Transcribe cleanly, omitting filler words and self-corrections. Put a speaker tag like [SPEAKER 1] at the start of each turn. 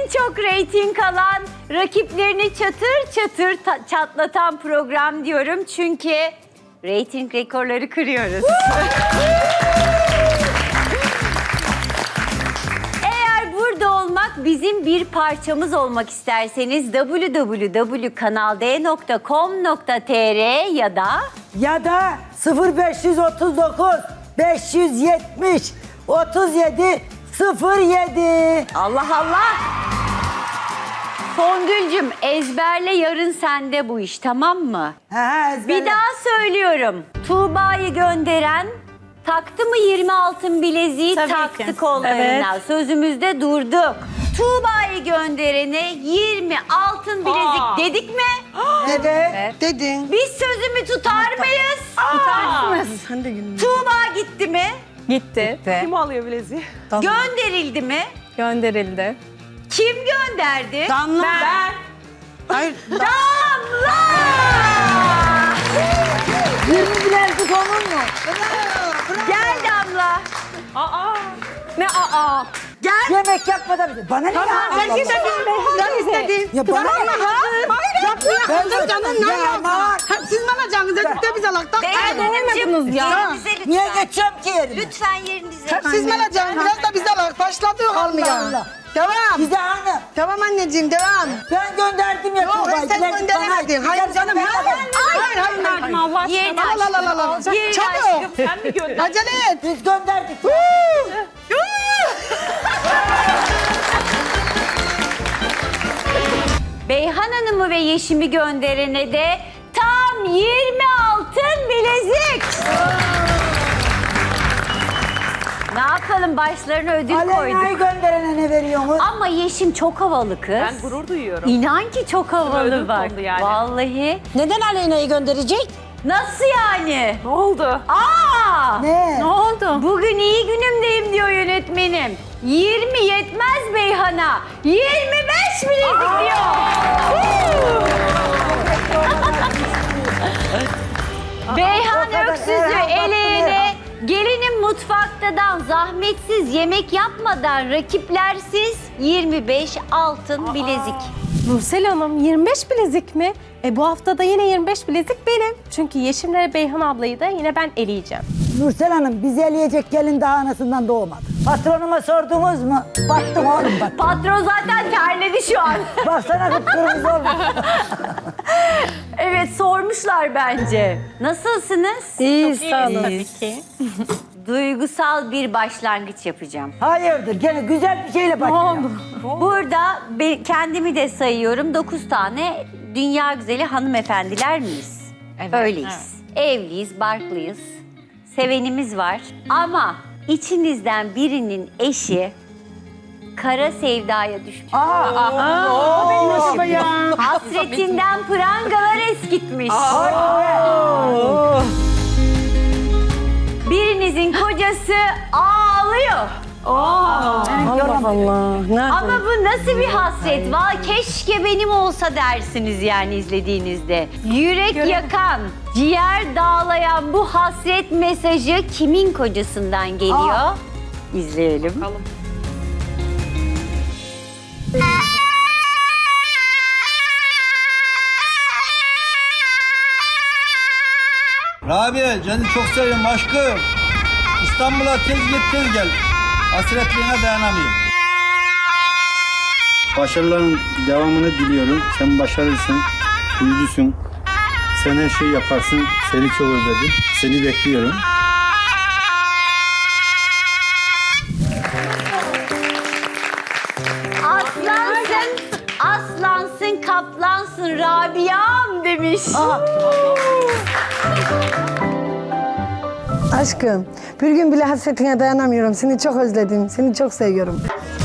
[SPEAKER 1] en çok reyting alan, rakiplerini çatır çatır çatlatan program diyorum. Çünkü reyting rekorları kırıyoruz. Eğer burada olmak, bizim bir parçamız olmak isterseniz www.kanald.com.tr ya da
[SPEAKER 2] 0539 570 37 07.
[SPEAKER 1] Allah Allah! Songül'cüm ezberle, yarın sende bu iş, tamam mı? Bir daha söylüyorum. Tuğba'yı gönderen taktı mı 20 altın bileziği?
[SPEAKER 3] Tabii
[SPEAKER 1] Taktı
[SPEAKER 3] ki.
[SPEAKER 1] kollarından. Sözümüzde durduk. Tuğba'yı gönderene 20 altın bilezik dedik mi?
[SPEAKER 2] Evet.
[SPEAKER 4] Dedin.
[SPEAKER 1] Biz sözümü tutar mıyız?
[SPEAKER 4] Sen de gülme.
[SPEAKER 1] Tuğba gitti mi?
[SPEAKER 3] Gitti.
[SPEAKER 5] Kim alıyor bileziği?
[SPEAKER 1] Gönderildi mi?
[SPEAKER 3] Gönderildi.
[SPEAKER 1] Kim gönderdi?
[SPEAKER 4] Damla.
[SPEAKER 1] Ben.
[SPEAKER 4] Hayır.
[SPEAKER 1] Damla!
[SPEAKER 2] 20 bilezik olur mu?
[SPEAKER 1] Gel Damla.
[SPEAKER 3] Ne aa?
[SPEAKER 2] Yemek yapmadan bize. Bana ne ya?
[SPEAKER 4] Ben istedim. Ben istedim.
[SPEAKER 2] Ya bana ne ya?
[SPEAKER 4] Ben de canım ne
[SPEAKER 2] Ya
[SPEAKER 4] yapma.
[SPEAKER 2] aman.
[SPEAKER 4] Hep siz bana canınıza gitti biz alakta.
[SPEAKER 1] Olmadınız
[SPEAKER 3] ya.
[SPEAKER 1] Yerinize lütfen.
[SPEAKER 2] Niye geçeceğim ki yerine?
[SPEAKER 1] Lütfen yerinize.
[SPEAKER 4] Hep siz bana canım biraz da biz alak. Başladı olmuyor.
[SPEAKER 2] Allah.
[SPEAKER 4] Devam.
[SPEAKER 2] Bize hanım.
[SPEAKER 4] Tamam anneciğim devam.
[SPEAKER 2] Ben gönderdim ya
[SPEAKER 4] Yok
[SPEAKER 2] Tuğba'yı.
[SPEAKER 4] sen
[SPEAKER 2] Bilezik
[SPEAKER 4] gönderemedin.
[SPEAKER 2] bana.
[SPEAKER 4] Hayır canım.
[SPEAKER 2] Ben
[SPEAKER 4] Hayır hayır.
[SPEAKER 3] Verdim Allah aşkına.
[SPEAKER 1] Yerini
[SPEAKER 4] Al al al al.
[SPEAKER 1] Yerini
[SPEAKER 4] Çabuk.
[SPEAKER 5] Sen mi gönderdin?
[SPEAKER 4] Acele et.
[SPEAKER 2] Biz gönderdik.
[SPEAKER 1] Beyhan Hanım'ı ve Yeşim'i gönderene de tam 20 altın bilezik. Ne yapalım, başlarına ödül
[SPEAKER 2] Alena'yı
[SPEAKER 1] koyduk.
[SPEAKER 2] gönderene ne veriyorsunuz?
[SPEAKER 1] Ama Yeşim çok havalı kız.
[SPEAKER 5] Ben gurur duyuyorum.
[SPEAKER 1] İnan ki çok havalı
[SPEAKER 5] Ödül
[SPEAKER 1] bak.
[SPEAKER 5] kondu yani.
[SPEAKER 1] Vallahi.
[SPEAKER 2] Neden Alena'yı gönderecek?
[SPEAKER 1] Nasıl yani?
[SPEAKER 5] Ne oldu?
[SPEAKER 1] Aa!
[SPEAKER 2] Ne?
[SPEAKER 3] Ne oldu?
[SPEAKER 1] Bugün iyi günümdeyim diyor yönetmenim. 20 yetmez Beyhan'a. 25 bilezik diyor. Beyhan
[SPEAKER 2] O kadar
[SPEAKER 1] Öksüz'ü
[SPEAKER 2] Erhan,
[SPEAKER 1] eleğine gelinin mutfaktadan zahmetsiz yemek yapmadan rakiplersiz 25 altın bilezik.
[SPEAKER 3] Nursel Hanım 25 bilezik mi? Bu hafta da yine 25 bilezik benim. Çünkü Yeşim'le Beyhan ablayı da yine ben eleyeceğim.
[SPEAKER 2] Nursel Hanım bizi eleyecek gelin daha anasından doğmadı. Patronuma sordunuz mu? Baktım oğlum bak.
[SPEAKER 1] Patron zaten terledi şu an.
[SPEAKER 2] Baksana kıpkırmızı olmuş.
[SPEAKER 1] Evet, sormuşlar bence. Nasılsınız?
[SPEAKER 2] İyi sağ olun.
[SPEAKER 3] Tabii ki.
[SPEAKER 1] Duygusal bir başlangıç yapacağım.
[SPEAKER 2] Hayırdır gene güzel bir şeyle başlayalım.
[SPEAKER 1] Burada kendimi de sayıyorum. 9 tane dünya güzeli hanımefendiler miyiz?
[SPEAKER 3] Evet.
[SPEAKER 1] Öyleyiz. Evliyiz, barklıyız. Sevenimiz var. Ama içinizden birinin eşi kara sevdaya düşmüş. Hasretinden prangalar eskitmiş. Birinizin kocası ağlıyor.
[SPEAKER 3] Allah Allah. Nerede?
[SPEAKER 1] Ama bu nasıl bir hasret? Vay keşke benim olsa dersiniz yani izlediğinizde. Yürek yakan, ciğer dağlayan bu hasret mesajı kimin kocasından geliyor? İzleyelim.
[SPEAKER 6] Rabia, seni çok seviyorum aşkım. İstanbul'a tez git tez gel. Hasretliğine dayanamıyorum. Başarıların devamını diliyorum. Sen başarırsın, uyucusun. Sen her şeyi yaparsın. Seni çok özledim. Seni bekliyorum.
[SPEAKER 1] Aslansın, aslansın, kaplansın Rabia'm demiş.
[SPEAKER 4] Aşkım bir gün bile hasretine dayanamıyorum. Seni çok özledim. Seni çok seviyorum.